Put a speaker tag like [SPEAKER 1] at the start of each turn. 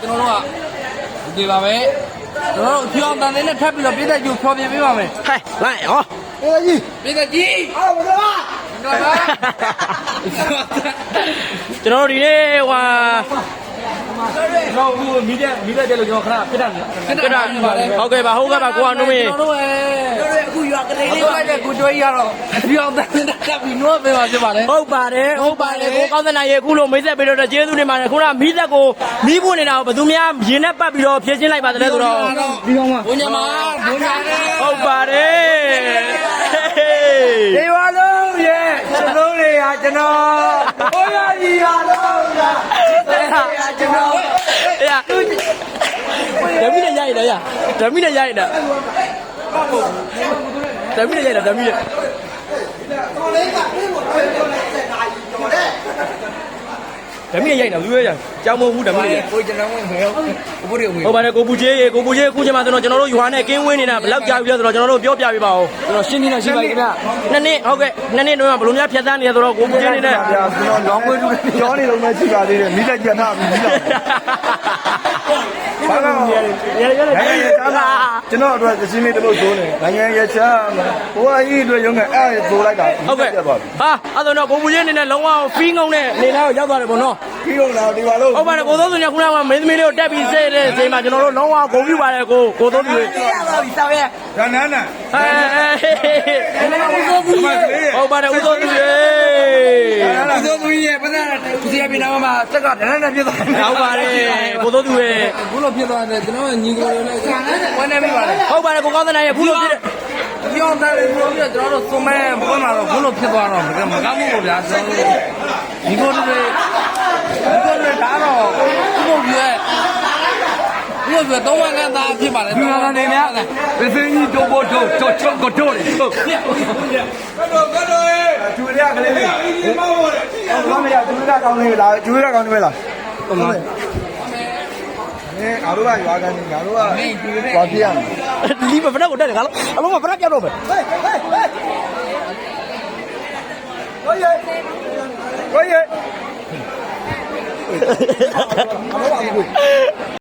[SPEAKER 1] ကျွန်တော်တို့ကဒီပါပဲကျွန်တော်တို့ဖြောင်းတန်နဲ့ထပ်ပြီးတော့ပြည်သက်ကြီးဖြောပြပေးပါမယ်
[SPEAKER 2] ဟဲ့လိုက်ဟော
[SPEAKER 1] ပြည်သက်ကြီးအော်ဘယ်လို
[SPEAKER 2] ကျွန်တော်တို့ဒီနေ့ဟို
[SPEAKER 1] တော့အခုမီးတဲ့လို့ကျွန်တော်ခဏပြတ်တာ
[SPEAKER 2] ဟုတ်ကဲ့ပါကိုအောင်နှုံးမေ
[SPEAKER 1] ကျွန်တော်တို့အခုရွာကလေးလေးပါတဲ့ကိုကျွေးရတော့ဖြောင်းတန်နဲ့ထပ်ပြီးနှိုးပေးပါဖြစ်ပါတယ်
[SPEAKER 2] ဟုတ်ပါတယ်ကိုကောင်းတဲ့နိုင်ရေအခုလိုမိတ်ဆက်ပေးတော့ကျေးဇူးတင်ပါတယ်ခုနမီးသက်ကိုမီးပွင့်နေတာကိုဘယ်သူများရင်နဲ့ပတ်ပြီးတော့ဖြည့်ချင်းလိုက်ပါတဲ့ဆိုတော့
[SPEAKER 1] ဒီကောင်မဘုံညာမ
[SPEAKER 2] ဟုတ်ပါတယ်
[SPEAKER 1] ဒီဝါလုံးရဲ့ကျွန်တော်တွေကကျွန်တော်ဘိုးရကြီးရတော့ကျွန်တော်
[SPEAKER 2] ဓမီနဲ့ရိုက်တယ်ဓမီနဲ့ရိုက်တာဓမီနဲ့ရိုက်တာဓမီနဲ့လူရကြောင်းမဟုတ်ဘူးဓမီနဲ့
[SPEAKER 1] ကိုကျွန်တော်ဝင်မယ်
[SPEAKER 2] ဟုတ်ပါတယ်ကိုပူကြီးအခုချိန်မှာကျွန်တော်တို့ယူဟာနဲ့ကင်းဝင်းနေတာဘယ်လောက်ကြာပြီလဲဆိုတော့ကျွန်တော်တို့ပြောပြပေးပါဦး
[SPEAKER 1] ကျွန်တော်ရှင်းနေတာရှိပါခင်ဗျ
[SPEAKER 2] နှစ်နှစ်ဟုတ်ကဲ့နှစ်နှစ်တော့ဘယ်လိုများဖြတ်သန်းနေရဆိုတော့ကိုပူကြီးနေနဲ့
[SPEAKER 3] ဗျာကျွန်တော်လောင်းဝဲတူပြောနေလုံးမရှိပါသေးတယ်မိလက်ကျန်ထားပြီမိလက်ဘာလို့ရဲကျွန်တော်အတွက်အချင်းလေးတလို့ဇိုးနေနိုင်ငံရဲ့ချမ်းဘိုးအကြီးအတွက်ရုံးကအဲ့ဇိုးလိုက်တာ
[SPEAKER 2] ဟုတ်ကဲ့ဟာအဲ့ဆိုတော့ကိုပူကြီးနေနဲ့လုံးဝဖီးငုံတဲ့နေသားကိုရောက်သွားတယ်ပေါ့နော်
[SPEAKER 3] ဖီးငုံလာဒီပါလို့
[SPEAKER 2] ဟုတ်ပါတယ်ကိုသုံးသူညခုနကမင်းသမီးလေးကိုတက်ပြီးစေတဲ့ချိန်မှာကျွန်တော်တို့လုံးဝဂုဏ်ပြုပါတယ်ကိုသုံးသူ
[SPEAKER 1] ရပါပြီတောက်ရဲ့
[SPEAKER 3] ရနန်းနာ
[SPEAKER 2] ဟုတ်ပါတယ်ဦးသုံးသူရေ
[SPEAKER 1] ဦးသုံးသူရဲ့ပဒနာဒီစီပြနာမှာစက်ကဒန်းနဲ့ပြသွား
[SPEAKER 2] ဟုတ်ပါတယ်ကိုသုံးသူရေ
[SPEAKER 1] ဘူးလို့ဖြစ်သွားတယ်ကျွန်တော်ညီကိုတွေလည်းဝမ်းနေပြီပါတယ်
[SPEAKER 2] ဟုတ်ပါတယ်ကိုကောင်းတဲ့နိုင်ရဲ့ဘူးလို့ဖြစ်တယ်
[SPEAKER 1] ပြောင်းတယ်လို့ပြောကျွန်တော်တို့စုံမဲဘုန်းမှာတော့ဘူးလို့ဖြစ်သွားတော့မကောင်းဘူးလို့ဗျာကျွန်တော်တို့ညီကိုတွေဒါတော့ဘုရားရဲ့ဘုရားတော့ဝန်ကသားဖြစ်ပါလေ
[SPEAKER 3] ဒီမှာနေများပစ္စည်းကြီးတို့ဖို့တို့ချုပ်ကိုတို့လေဟုတ်ကတော့ကျူရကလေးလေးဘာမရကျူရကောင်းလေးလားကျူရကောင်းနေလားဟုတ်ပါအားတို့ကရွာကန်နေငါတို့ကဘာဖြစ်ရမလဲ
[SPEAKER 2] ဒီမဖရက်ကိုတက်တယ်ငါလုံးအလုံးမဖရက်ပြောက်တော့ပဲ
[SPEAKER 3] ဟေးဟေး